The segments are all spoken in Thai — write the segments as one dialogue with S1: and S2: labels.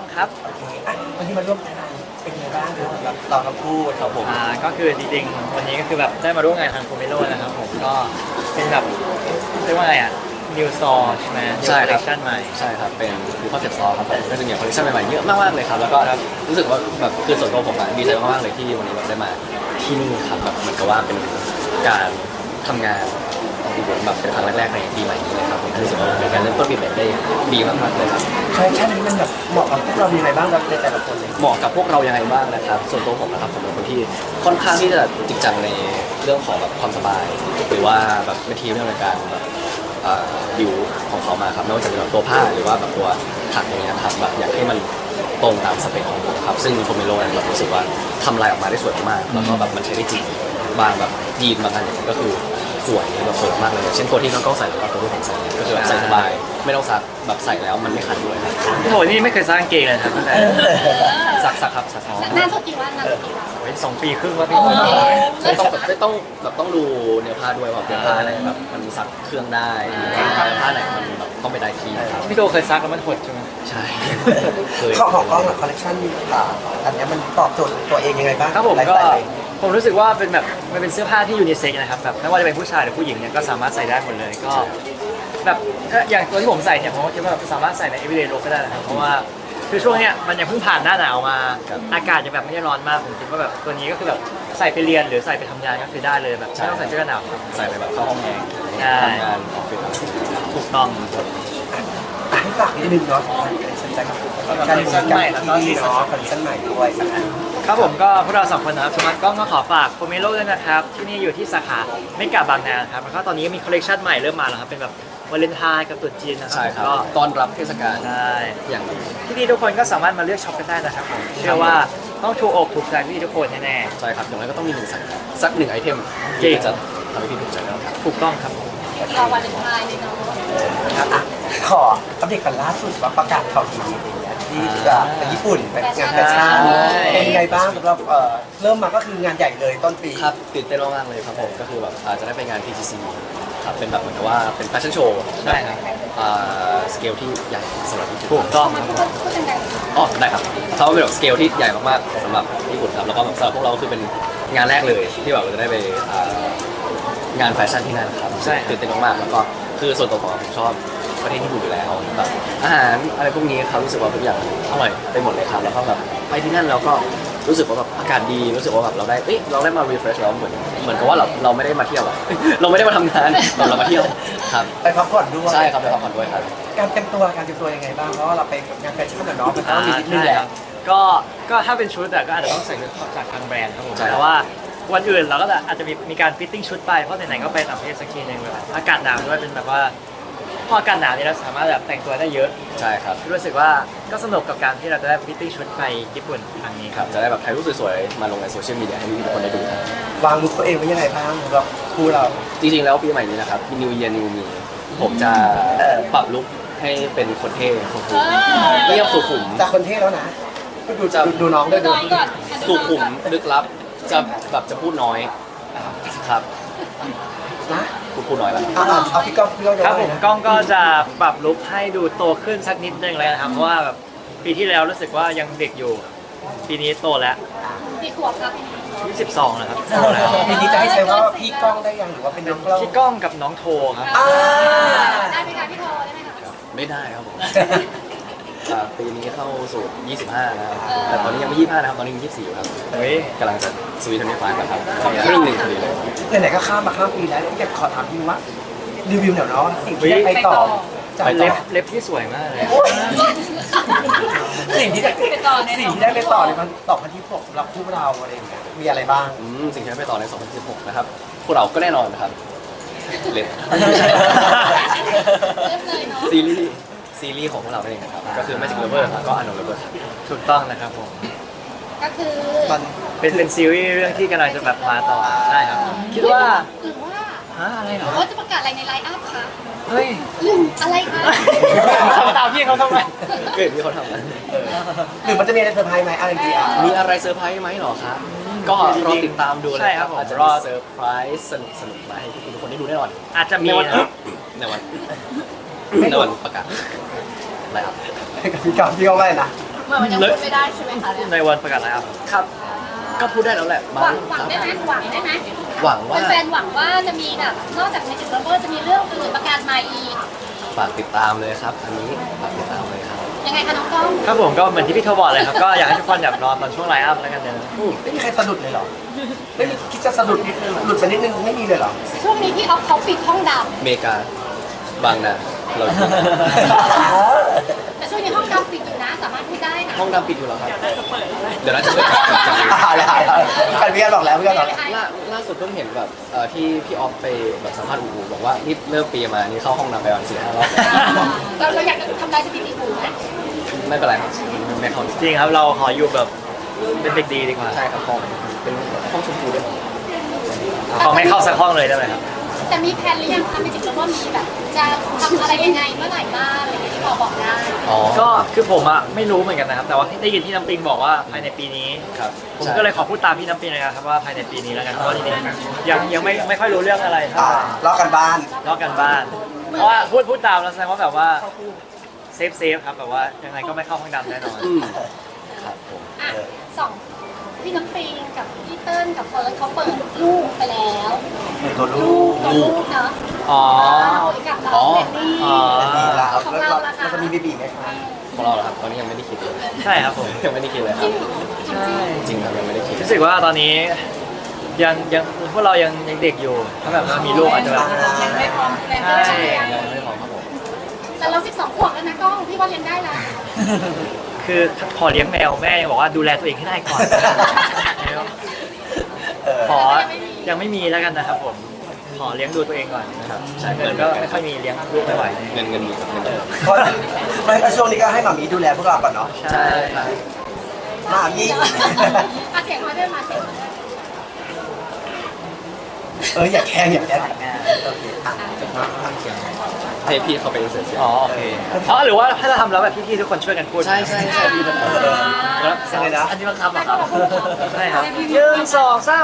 S1: ครับ
S2: โอเควันนี้มาร่วมงานเป็นไงบ้างครับสำหรับเราทั้งคู่ครับผม
S1: ก็คือจริงๆวันนี้ก็คือแบบได้มาร่วมงานทางโคเมโลนะครับผมก็เป็นแบบเรียกว่าไงนิวซอใช่ไหม
S3: ใช่
S1: คอล
S3: ค
S1: เล
S3: รับ
S1: คชั่นใหม่
S3: ใช่ครับเป็นดูคอนเซ็ปต์ซอครับผมก็จะมีคอลเลคชันใหม่ๆเยอะมากๆเลยครับแล้วก็รู้สึกว่าแบบคือส่วนตัวผมอะดีใจมากๆเลยที่วันนี้แบบได้มาที่นี่ครับแบบเหมือนกับว่าเป็นการทำงานของพี่ผมแบบเป็นครั้งแรกๆในปีใหม่นี้เลยครับผมรู้สึกว่าเป็นการเริ่มต้นปีใหม่ได้ดีมากๆเลยครับ
S2: คอลเลคชันนี้มันแบบเหมาะกับพวกเรายังไงบ้างครับในแต่ละคนเลย
S3: เหมาะกับพวกเรายังไงบ้างนะครับส่วนตัวผมนะครับผมเป็นคนที่ค่อนข้างที่จะจริงจังในเรื่องของแบบความสบายหรือว่าแบบวิธีเรื่องในการแบบดิวของเขามาครับไม่ว่าจะเป็นแบบตัวผ้าหรือว่าแบบตัวถักอย่างเงี้ยครับแบบอยากให้มันตรงตามสเปคของผมครับซึ่งโคเมโลเนี่ยแบบรู้สึกว่าทำลายออกมาได้สวยมากแล้วก็แบบมันใช้ได้จริงบางแบบยีนบางอันเนี่ยก็คือสวยแบบสวยมากเลยอย่างเช่นตัวที่น้องกล้องใส่หรือว่าตัวที่ผมใส่เนี่ยก็คือแบบใส่สบายไม่ต้องซักแบบใส่แล้วมันไม่คันด้วยครับ
S1: โอ้โหนี่ไม่เคยสร้างเกงเลยนะครับตั้งแต่
S3: ซักครับซัก
S4: นานสักกี่วันนานสักกี่วัน
S1: โอ้ย2 ปีครึ่งว่าพี่
S3: ไม่ต้องดูเนื้อผ้าด้วยว่าเนื้อผ้าไหนแบบมันซักเครื่องได้เนื้อผ้าไหนมันแบบต้องไปได้ที่ครับ
S1: พี่โตเคยซักแล้วมันหดใช่ไหม
S3: ใช่เคย
S2: ข้อของกล้องกับคอลเลคชันอันนี้มันตอบโจทย์ตัวเองยังไงบ้าง
S1: ครับผม
S2: ไลฟ์
S1: ก็
S2: สไตล์
S1: ผมรู้สึกว่าเป็นแบบมันเป็นเสื้อผ้าที่ยูนิเซ็กซ์นะครับแบบไม่ว่าจะเป็นผู้ชายหรือผู้หญิงเนี่ยก็สามารถใส่ได้หมดเลยก็แบบก็อย่างตัวที่ผมใส่เนี่ยผมก็คิดว่าแบบสามารถใส่ใน everyday look ก็ได้นะครับเพราะว่าคือช่วงเนี้ยมันยังเพิ่งผ่านหน้าหนาวมาอากาศยังแบบไม่ได้ร้อนมากผมคิดว่าแบบตัวนี้ก็คือแบบใส่ไปเรียนหรือใส่ไปทำงานก็คือได้เลยแบบไม่ต้องใส่เสื้อกันหนาวครับ
S3: ใส่ไปแบบเข้าห้องแอร์
S1: ใช่
S3: ทำงานออฟฟิศ
S1: ถูกต้อง
S2: ให้ฝากนิดนึงเนาะคอลเลคชันใหม่แล้วก็ที่เนาะคอลเลคชันใหม่ด้วยสักอัน
S1: ครับผมก็พวกเรา2 คนนะครับสมัครกล้องก็ขอฝากโคเมโลด้วยนะครับที่นี่อยู่ที่สาขาไม่กาบางนาครับแล้วก็ตอนนี้มีคอลเลคชันใหม่เริ่มมาแล้วครับเป็นแบบวาเลนไทน์กับตรุษจีนนะครั
S3: ใช่ครับ
S1: ก็
S3: ต้อนรับเทศกาล
S1: ได้
S3: อย่างดี
S1: ที่นี่ทุกคนก็สามารถมาเลือกช็อปกันได้นะครับผมเชื่อว่าต้องถูกอกถูกใจพี่ทุกคนแน่
S3: ใช่ครับอย่างไรก็ต้องมีหนึ่งสักหนึ่งไอเทม
S1: จริ
S3: ที่
S1: ง
S3: จะทำให้พี่ถูกใจแล้วครับ
S1: ๆถูกต้องครับผม
S4: รอวันเลนไทน์เลยเนาะ
S2: ครับอ่ะขออัปเดตกันล่าสุดว่าประกาศข่าวดีอะไรเงี้ยที่จะไปญี่ปุ่นไปงานแฟชั่นเป็นยังไงบ้างสำหรับเริ่มมาก็คืองานใหญ่เลยต้นปี
S3: ครับตื่นเต้นมากๆเลยครับผมก็คือแบบจะได้ไปงาน PTC ครับเป็นแบบเหมือนกับว่าเป็นแฟชั่นโชว์
S1: ใช่ครับ
S3: สเกลที่ใหญ่สำหรับญี่ปุ่น
S1: ถูกต้อง
S4: มัน
S1: ครับ
S4: พูดดัง
S3: อ๋อได้ครับเขาเป็นแบบสเกลที่ใหญ่มากๆสำหรับญี่ปุ่นครับแล้วก็แบบสำหรับพวกเราก็คือเป็นงานแรกเลยที่แบบเราจะได้ไปงานแฟชั่นที่นั่นครับ
S1: ใช่
S3: ตื่นเต้นมากๆแล้วก็คือส่วนตัวผมชอบประเทศญี่ปุ่นอยู่แล้วแบบอาหารอะไรพวกนี้ครับรู้สึกว่าทุกอย่างอร่อยไปหมดเลยครับแล้วก็แบบไปที่นั่นเราก็รู้สึกว่าแบบอากาศดีรู้สึกว่าแบบเราได้มา refresh แล้วเหมือนกับว่าเราไม่ได้มาเที่ยวอะ เราไม่ได้มาทำงานเรามาเที่ยวครับ
S2: ไปพักผ่อนด้วย
S3: ใช่ครับไปพักผ่อนด้วยครับ
S2: การเตรียมตัวยังไงบ้างเพราะว่าเราไปงานแฟชั่นกับน้องมันต้องมีนิดนึงแหละ
S1: ก็ถ้าเป็นชุดอะก็อาจจะต้องใส่ชุดจากทางแบรนด์ครับผมแต่ว่าวันอื่นเราก็อาจจะมีการฟิตติ้งชุดไปเพราะไหนๆก็ไปต่างประเทศสักทีหนึงแบบอากาศหนาวด้วยเป็นแบบว่าพออากาศหนาวนี่เราสามารถแบบแต่งตัวได้เยอะ
S3: ใช่ครับ
S1: รู้สึกว่าก็สนุกกับการที่เราจะได้ฟิตติ้งชุดไปญี่ปุ่นครั้งนี้
S3: ค
S1: ค
S3: รั
S1: รั
S3: บบ จะได้แบบถ่ายรูปสวยๆมาลงในโซเชียลมีเดียให้ทุกคนได้ดูครับ
S2: วางลุคตัวเองไว้ยังไงบ้างสำหรับคู่เรา
S3: จริงๆแล้วปีใหม่นี้นะครับ New Year New Me ผมจะปรับลุคให้เป็นคนเท่คนคูลเรียบสุขุม
S2: จากคนเท่แล้วนะดูน้อง
S4: ๆ
S2: ด้วยดู
S4: น้อยก่อน
S3: สุขุมลึกลับจะแบบจะพูดน้อยครับ
S2: นะ
S3: พูดน้อยแล้ว
S2: เอาพี่ก้องจะ
S1: ครับ
S2: ว่า
S1: ผ
S2: ไง
S1: ม
S2: นะ
S1: กล้องก็จะปรับลุคให้ดูโตขึ้นสักนิดนึงเลยนะครับเพราะว่าแบบปีที่แล้วรู้สึกว่ายังเด็กอยู่ ปีนี้โตแล้ว
S4: กี่ขวบครับ
S1: 22แล้วครับโตแล้ว
S2: ปีนี้จะให้ใช้ว่าพี่ก้องได้ยังหรือว่าเป็นน้องกล้อง
S1: พี่ก้องกับน้องโทครับ
S4: ได้ไหมคะพี่โทได้ไหมคะ
S3: ไม่ได้ครับผมปีนี้เข้าสู่25นะครับแต่ตอนนี้ยังไม่25นะครับตอนนี้ยัง24อยู่ครับ
S1: เฮ้ย
S3: กำลังจะสวีทเทอร์5ครับครึ่งหนึ่งพอดีเลย
S2: ไหนๆก็ข้ามปีแล้วอยากขอถามพี่ว่ารีวิวหน่อยเนาะสิ่งที่ได้ไปต่อจาก
S1: เล็บที่สวยมากเลย
S2: สิ่งที่ได้ไปต่อในมันต่อพันที่6สำหรับคู่เราอะไรอย่างเงี้ยมีอะไรบ้าง
S3: สิ่งที่ได้ไปต่อใน 2016 นะครับ พวกเราก็แน่นอนนะครับเล่น
S4: เริ่มเลยเนาะ
S3: ซีรีส์ของพวกเราเองนะครับ ก็คือ Magic Lover แล้วก็ Unknown Lover ครับ
S1: ถูกต้องนะครับผม
S4: ก็คือ
S2: ตอน
S1: เป็นซีรีส์เรื่องที่กำลังจะแบบมาต่อใช่ครับ คิดว่า
S4: หรือว่า
S1: ฮะอะไรเหรอ
S4: ว่าจะประกาศอะไรในไลน์อัพคะ
S1: เฮ้ย
S4: หรืออะไรคะ
S1: ทำตามพี่เขาทำไม
S3: เกิดมีเขาทำนะ
S2: หรือมันจะมีอะไรเซอร์ไพรส์ไหมอะไรดีอ่ะ
S3: มีอะไรเซอร์ไพรส์ไหมหรอครับ ก็รอติดตามดูเลย
S1: ใช่ครับผม
S3: อาจจะ
S1: ร
S3: ร
S1: อ
S3: อเซอร์ไพรส์สนุกๆมาให้ทุกคนได้ดูแน่นอน
S1: อาจจะมี
S3: ในวัน
S1: นะ
S3: ในวันประกาศอะไรครับ
S2: กับพี่ก้องว่าอะไรนะ
S4: เหมือนมันยังพูดไม่ได้ใช่ไหมคะเนี่ย
S1: ในวันประกาศไลน์อัพครับก็พูดได้แล้วแหละ
S4: หวังได้ไหมหวังได้ไหม
S3: หวังว่า
S4: แฟนๆหวังว่าจะมีแบบนอกจาก Magic Lover จะมีเรื่องอื่นประกาศใหม่อีก
S3: ฝากติดตามเลยครับ อันนี้ฝากติดตามเลยครับ
S4: ยังไงคะน้องกล้อง
S1: ครับผมก็เหมือนที่พี่โทบอกเลยครับก็อยากให้ทุกคนแบบรอตอนช่วงไลน์อัพแล้วกันเนอะ
S2: ไม่มีใครสะดุดเลยเหรอไม่มีคิดจะสะดุดหลุดไปนิดนึงไม่มีเลยเหรอ
S4: ช่วงนี้พี่ออฟเขาปิดห้องด
S3: อเมริกาบางนาเราอยู่
S4: ำแต่ช่วงนี้ห้องดำปิดอยู่นะ สามารถพูดได้นะ
S3: ห้องดำปิดอยู่แล้วครับ เดี๋ยวน่าจะเปิดจากนี้
S2: การพี่กันบอกแล้วพี่กันบอกแล้ว
S3: ล่าสุดเพิ่งเห็นแบบที่พี่ออฟไปแบบสัมภาษณ์อูบอกว่านี่เริ่มปีมานี่เข้าห้องน้ำไปวัน4-5 รอบ
S4: เราอยากจะทำลายสถิติถูกไหม
S3: ไม่เป็นไรครับไม่เข้า
S1: จริงครับเราขออยู่แบบเป็นเด็กดีดีกว่า
S3: ใช่ครับห้องเป็นห้องชมพูด้วย
S1: ขอไม่เข้าสักห้องเลยได้ไหมครับ
S4: แต่มีแผนหรือยังคะ Magic Lover มีแบบจะทำอะไรยังไงเมื่อไหร่บ้างอะไรอย่างเงี้ยที่พอบอกได้
S3: อ๋อ
S1: ก็คือผมอะไม่รู้เหมือนกันนะครับแต่ว่าได้ยินที่น้ำปิงบอกว่าภายในปีนี้
S3: ครับ
S1: ผมก็เลยขอพูดตามพี่น้ำปิงนะครับว่าภายในปีนี้แล้วกันเพราะว่าจริงๆยังไม่ค่อยรู้เรื่องอะไรเท่าไหร่
S2: ลอกกันบ้าน
S1: ลอกกันบ้าน เพราะว่าพูดตามแล้วแสดงว่าแบบว่าเซฟครับแบบว่ายังไงก็ไม่เข้าห้องดำแน่นอน
S3: อืมครับผม
S4: อ่ะสองพี่น้ำปิงกับพี่เติ้ลกับเฟิร์นเขาเปิดลูกไปแล้ว
S2: ตัวลู
S4: ลู
S2: ก
S4: กตัวลูกเนาะ
S1: อ๋อ
S4: กับน้องเบนนี่
S1: อ๋อ
S2: ดีแล้ว
S4: ของ
S2: แล้ว
S4: เรา
S2: เรา
S4: ล่ะคะ
S2: จะมีเบบีไหมคะ
S3: ของเราเหรอครับตอนนี้ยังไม่ได้คิดเลย
S1: ใช่ครับผม
S3: ยังไม่ได้คิดเลยค
S4: จ
S3: รั
S4: ริ
S3: บ
S4: งเหรอจริง
S1: ใช่
S3: จริงครับยังไม่ได้คิด
S1: รู้สึกว่าตอนนี้ยังพวกเรายังเด็กอยู่ถ้าแบบมีลูกอาจจะแบบ
S4: ยังไม่พร้อมแรง
S1: ใช่
S4: ใช่ไหม
S3: ยังไม่ได้พร้อมครับผม
S4: แต่เรา12 ขวบแล้วนะกล้องพี่ว่าเลี้ยงได้แล้ว
S1: คือขอเลี้ยงแมวแม่ยังบอกว่าดูแลตัวเองให้ได้ก่อน ขอยังไม่มีแล้วกันนะครับผมขอเลี้ยงดูตัวเองก่อนนะครับ
S3: ใช่
S1: เงินก็ไม่ค่อยมีเลี้ยงลูกไม่ไหว
S3: เงินมีครับเงินเยอะ
S2: เพราะไม่ช่วงนี้ก็ให้หมามีดูแลพวกเราก่อนเนาะ
S1: ใช่
S3: ครับ
S2: หมามี
S4: เสียงมาด้วยมาเสียงมาด้วย
S2: อย่าแข่งอย่าแข่งโอเคอ่ะ
S3: ให้พี่เขาไปอินเสิร์ตเสียง
S1: อ๋อโอเคอ๋อหรือว่าถ้าจะทำแล้วแบบพี่ๆทุกคนช่วยกันพูด
S3: ใช่พี่แบบ
S1: แล้ว
S2: อะไรนะ
S1: อันนี้บังคับเหรอครับใช่ครับ1 2 3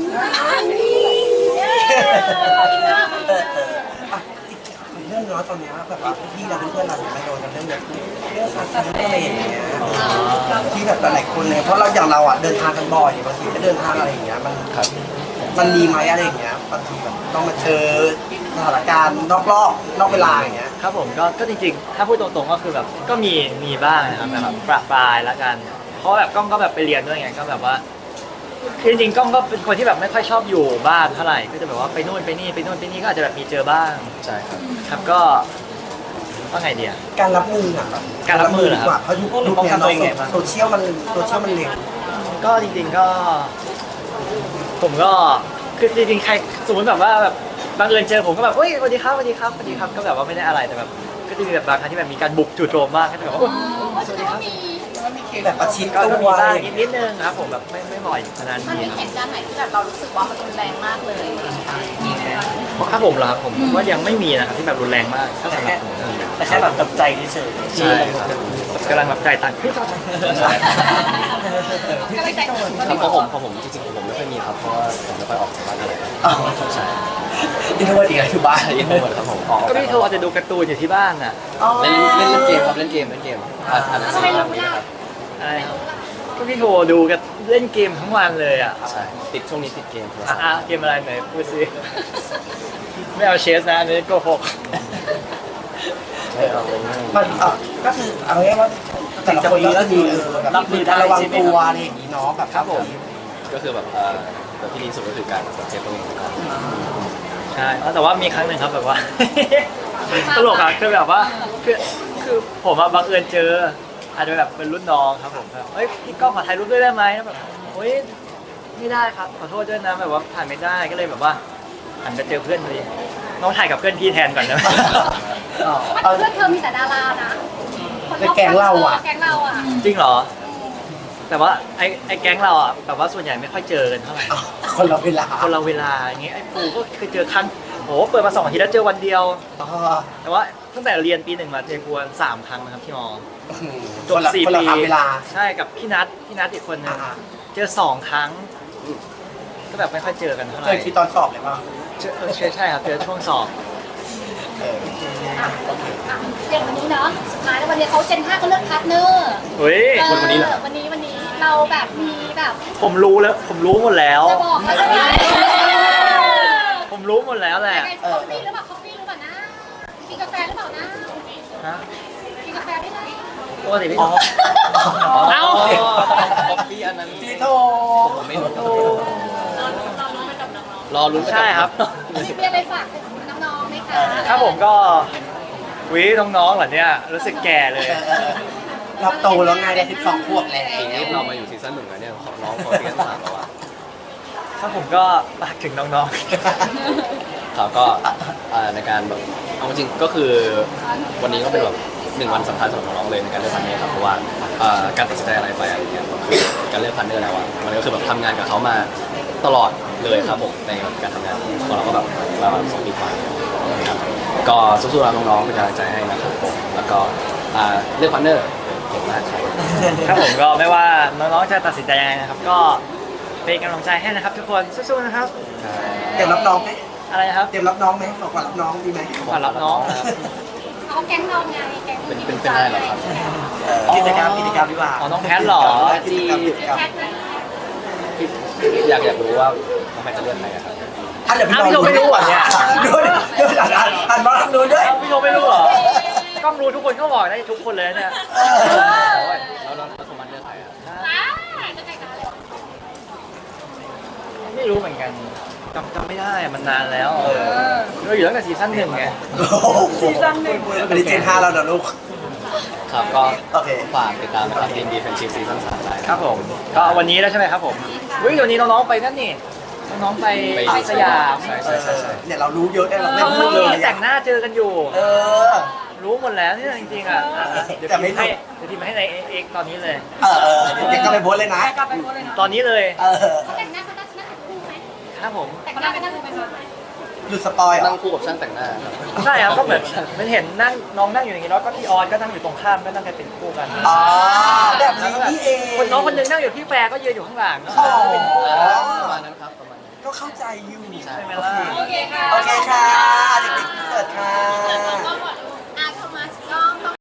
S2: เรื่องเนาะตอนเนี้ยแบบว่าพี่เราเพื่อนเราเนี่ยมาโดนกันเรื่องแบบเรื่องสัตว์อะไรอย่างเงี้ยที่แบบหลายคนเนี่ยเพราะเราอย่างเราอ่ะเดินทางกันบ่อยบางทีก็เดินทางอะไรอย่างเงี้ยมัน
S3: ครับ
S2: มันมีไหมอะไรอย่างเงี้ยบางทีแบบต้องมาเจอสถานการณ์นอกรอบนอกเวลาอย่างเงี้ย
S1: ครับผมก็จริงๆ ถ้าพูดตรงๆก็คือแบบก็มีบ้างนะครับแบบประปรายละกัน เพราะแบบกล้องก็แบบไปเรียนด้วยไงก็แบบว่าคือจริงๆกล้องก็เป็นคนที่แบบไม่ค่อยชอบอยู่บ้านเท่าไหร่ก็จะแบบว่าไปนู่นไปนี่ไปนู่นไปนี่ก็อาจจะแบบมีเจอบ้าง
S3: ใช่ครับ
S1: ครับก็ว่าไงเดีย
S2: การรับมืออ่ะ
S1: การรับมือเหรอครับ
S2: ดีกว่าเพราะยุคเนี้ยเนาะโซเชียลมันเร็ว
S1: ก็จริงๆก็ ผมก็คือจริงๆใครสมมติแบบว่าแบบบังเอิญเจอผมก็แบบเฮ้ยสวัสดีครับสวัสดีครับสวัสดีครับก็แบบว่าไม่ได้อะไรแต่แบบก็จะมีแบบบางครั้งที่แบบมีการบุกจู่โจมมากก็จะแบบว่า
S4: สวัสดีครับมี
S2: แบบประชิด
S1: ก็
S2: ตั
S1: มี
S2: ว
S1: บ้าง
S2: อะไรอย่าง
S1: นิ
S2: เงี้ย
S1: ดนึงครับผมแบบไม่บ่อยขนาด
S4: มัน
S1: นี้
S4: มีเหตุการณ์ไหนที่แบบเรารู้สึกว่ามันรุนแรงมากเลย
S1: ครับผมเหรอครับผมว่ายังไม่มีนะครับที่แบบรุนแรงมากถ้าสำหรับผม
S2: แต่แค่แบบกับใจเฉย
S3: ใช่ครับ
S1: กำลังแบบใจตังค์
S4: ก็เลยใจ
S3: ครับของผมจริงๆผมไม่ค่อยมีครับเพราะว่าผมไม่ค่อยออกจากบ้านเท่าไหร่ใช่
S2: อินโทรเวิร์ดอีกแล้วอยู่บ้าน
S3: ใช่ยินดีหมดครับผม
S1: ก็พี่โทรอาจจะดูการ์ตูนอยู่ที่บ้านน่ะ
S3: เล่นเกมครับเล่นเกมอ่านหนังสื
S4: ทำไม
S3: อ
S4: เรา
S3: แบบ
S4: ไม่
S3: นี้
S4: ได้
S3: ครับ
S1: อะไรครับก็พี่โทรดูกันเล่นเกมทั้งวันเลยอ่ะ
S3: ใช่ติดช่วงนี้ติดเกมโทรศัพท์
S1: อ่ะเกมอะไรไหนพูดสิไม่เอาเชสนะอันนี้โกหก
S2: มันก็คือเอาง่ายๆว่าแต่ละคนก็มีแบบรับมือระวังตัวอะไรอย่างงี้เนาะแบบ
S1: ครับผม
S3: ก็คือแบบแบบที่ดีสุดก็คือการเซฟตัวเองก่อน
S1: ใช่แต่ว่ามีครั้งหนึ่งครับแบบว่า ตลกอะคือแบบว่าคือผมอะบังเอิญเจออาจจะแบบเป็นรุ่นน้องครับผมแบบเฮ้ยพี่ก้องขอถ่ายรูปด้วยได้ไหมแล้วแบบเฮ้ยไม่ได้ครับขอโทษด้วยนะแบบว่าถ่ายไม่ได้ก็เลยแบบว่าหันไปเจอเพื่อนพอดีน้องถ่ายกับเพื่อนพี่แทนก่อนนะ
S4: เพื่อนเธอมีแต่ดารานะแก๊งเราอ่ะ
S1: จริงเหรอ แต่ว่าไอ้แก๊งเราอ่ะแบบว่าส่วนใหญ่ไม่ค่อยเจอกันเท่าไหร่
S2: คนเราเวลา
S1: คนเราเวลาอย่างเงี้ยไอ้ปูก็เคยเจอครั้งโหเปิดมา2 อาทิตย์แล้วเจอวันเดียว แต่ว่าตั้งแต่เรียนปี 1มาเจอกูวัน3 ครั้งนะครับที่มอจบ 4
S2: คน
S1: ปี
S2: ละเวลา
S1: ใช่กับพี่นัทอีกคนนึงเจอ2 ครั้ง ก็แบบไม่ค่อยเจอกันเท่าไห
S2: เค
S1: ร่
S2: ยคิดตอนสอบเลยป่ะ
S1: ใช่ครับเจอช่วงสอบ
S2: เออ
S4: อย่างวันนี้เนาะสุดท้ายแล้ววันนี้เขาเจน5ก็เลือกพาร์ทเนอร์
S1: อุ้ย
S3: วันนี้เหรอ
S4: วันนี้เราแบบมีแบบ
S1: ผมรู้แล้วผมรู้หมดแล้ว
S4: จะบอกเขาใช่ไหม
S1: ผมรู้หมดแล้วแหละ
S4: ยังไงคอฟฟี่หรือเปล่าคอฟฟี่หรือเปล่านะกินกาแฟหรือเปล่านะ
S1: ฮะ
S4: กินกาแฟได้ไหม
S1: ปกติพี่ชอบ เอ้า
S3: คอฟฟี่อันนั้น
S2: จีโท
S3: ผมไม่รู้รอลุ้นไปกับ
S1: ใช่ครับ
S4: มีอะไรฝากถึงน้องๆไหมคะ
S1: ครับผมก็วิน้องๆเหรอเนี่ยรู้สึกแก่เลย
S2: เราโตแล้วไงได้12 ขวบแล้ว
S3: ปีนี้เรามาอยู่ซีซั่น 1แล้วเนี่ยของน้องเขาซีซั่น 3แล้วอะ
S1: ถ้าผมก็ฝากถึงน้อง
S3: ครับก็ในการแบบเอาจริงๆก็คือวันนี้ก็เป็นแบบ1 วันสำคัญสำหรับน้องๆเลยในการเลือกพันเนอร์ครับเพราะว่าการตัดสินใจอะไรไปอะไรเงี้ยคือการเลือกพันเนอร์แล้วอะมันก็คือแบบทำงานกับเขามาตลอดเลยครับผมในการทำงานของเราก็แบบประมาณ2 ปีกว่าครับก็สู้ๆนะน้องๆเป็นกำลังใจให้นะครับผมแล้วก็เลือกพันเนอร์เก่งมากครับ
S1: ๆ ครับผมก็ไม่ว่าน้องๆจะตัดสินใจยังไงนะครับ ก็เป็นกำลังใจให้นะครับ ทุกคนสู้ๆนะครับ
S2: เตรียมรับน้องไหม
S1: อะไรนะครับ
S2: เตรียมรับน้องไหมของขวัญรับน้องดีไหม
S1: ขวัญรับน้อง
S4: เขาแก๊งเราไงแก๊ง
S3: เป็นได้เหรอครับ
S2: กิจกรรมดีกว่า
S1: อ๋อน้องแพทเหรอ
S2: กิจกรรม
S4: แท็กนะ
S3: อยากรู้ว่าน้องแพทจะเลือกใครอะครับ
S2: อ่ะเดี๋ยวพี่
S1: อ้าวพี่โทไม่รู้เหรอเนี่ย
S2: ดูดิดูดิอ่านมาทางนู้นด้วย
S1: เอ้าพี่โทไม่รู้เหรอ กล้องรู้ทุกคนก็บอกได้ทุกคนเลยเนี่ย
S3: แล้วสมันเลือกใครอะ
S4: ว้าวจะใครกันเลย
S1: ไม่รู้เหมือนกันจำไม่ได้อะมันนานแล้วเราอยู่ตั้งแต่ซีซั่น1ไง
S2: ซีซั่นหนึ่งอันนี้เจน5แล้วนะลูก
S3: ครับก็
S2: โอเค
S3: ฝากติดตามนะครับดีดีแฟนชิพซีซั่น3ได้
S1: ครับผมก็วันนี้แล้วใช่ไหมครับผมวิวันนี้น้องๆไปนั่นนี่น้องๆไปสยาม
S3: ใช่ใช่ใช่ใช่
S2: เนี่ยเรารู้เยอะได้เราไม่
S1: เมื่
S2: พู
S1: อ
S2: ดเล
S1: กี้
S2: ย
S1: แต่งหน้าเจอกันอยู่
S2: เออ
S1: รู้หมดแล้วเนี่ยจริงๆอ่ะเดี๋ยว
S2: แต่ไม่
S1: พิมพ์ให้เดี๋ยวพิมพ์ให้ในเอ็กตอนนี้เลย
S2: เด็กก็ไปโพสเลยนะ
S1: ตอนนี้เลย
S4: เขาแต่งหน้าเขาน่าจะคู่ไหม
S1: ครับผม
S4: แต่งหน้าเป็นหน้าคู่ไหมคะ
S2: หยุดสปอยเหร
S3: นั่
S2: อง
S3: คู่กับช่างแต่งหน้าครับ
S1: ใช่ครับก็เหมือนมันเห็นนั่งน้องนั่งอยู่อย่างนี้แล้วก็พี่ออนก็นั่งอยู่ตรงข้ามก็นั่งกันเป็นคู่กัน
S2: อ๋อแบบนี้นี่เอง
S1: คนน้องคนหนึงนั่งอยู่พี่แฟร์ก็ยืนอยู่ข้างหลัง
S2: อ๋อ
S3: ประมาณนั้นครับประมาณนั้น
S2: ก็เข้าใจอยู่
S3: ใช่
S1: ใช่ไหม
S2: โอ
S1: ล่ะ